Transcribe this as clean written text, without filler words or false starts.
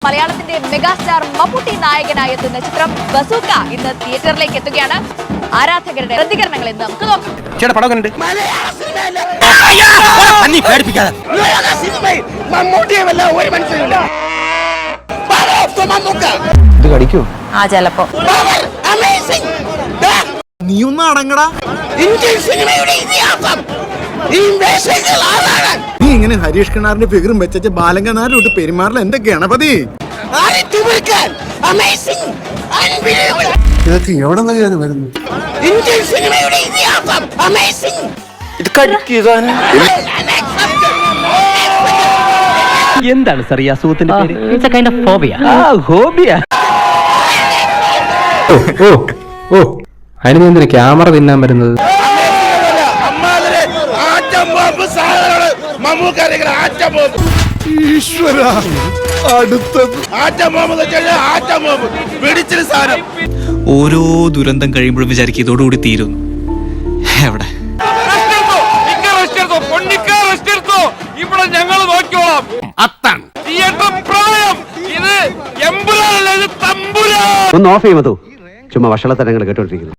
മലയാളത്തിന്റെ മെഗാസ്റ്റാർ മമ്മൂട്ടി നായകനായി എത്തുന്ന ചിത്രം ബസൂക്ക ഇന്ന് തിയേറ്ററിലേക്ക് എത്തുകയാണ്. ആരാധകരുടെ പ്രതികരണങ്ങൾ എന്ന് നമുക്ക് നോക്കാം. ചിലപ്പോ നീ ഒന്ന് അടങ്ങടാ. നീ ഇങ്ങനെ ഹരീഷ് കിണാറിന്റെ ഫിഗറും വെച്ച ബാലങ്കനാരിലോട്ട് പെരുമാറില്ല. എന്റെ ഗണപതി, ഇതൊക്കെ എവിടെ നിന്നാണ് വരുന്നത്? എന്താണ് സാർ ഈ അസുഖത്തിന്റെ പേര്? It's a kind of phobia. ഹോബിയ. ഓ അതിന് എന്തിനാ ക്യാമറ തിന്നാൻ വരുന്നത്? ഈശ്വര, ഓരോ ദുരന്തം കഴിയുമ്പോഴും വിചാരിക്കും ഇതോടുകൂടി തീരുന്നു. എവിടെ ഇവിടെ ഞങ്ങൾ നോക്കിയോളാം. അത്താണ് തിയേറ്റർ പ്രായം. ഇത് എമ്പുരാനല്ല, ഇത് തമ്പുരാൻ. ഒന്ന് ഓഫ് ചെയ്യുമോ? ചുമ്മാ വഷളത്തരങ്ങൾ കേട്ടോണ്ടിരിക്കുന്നു.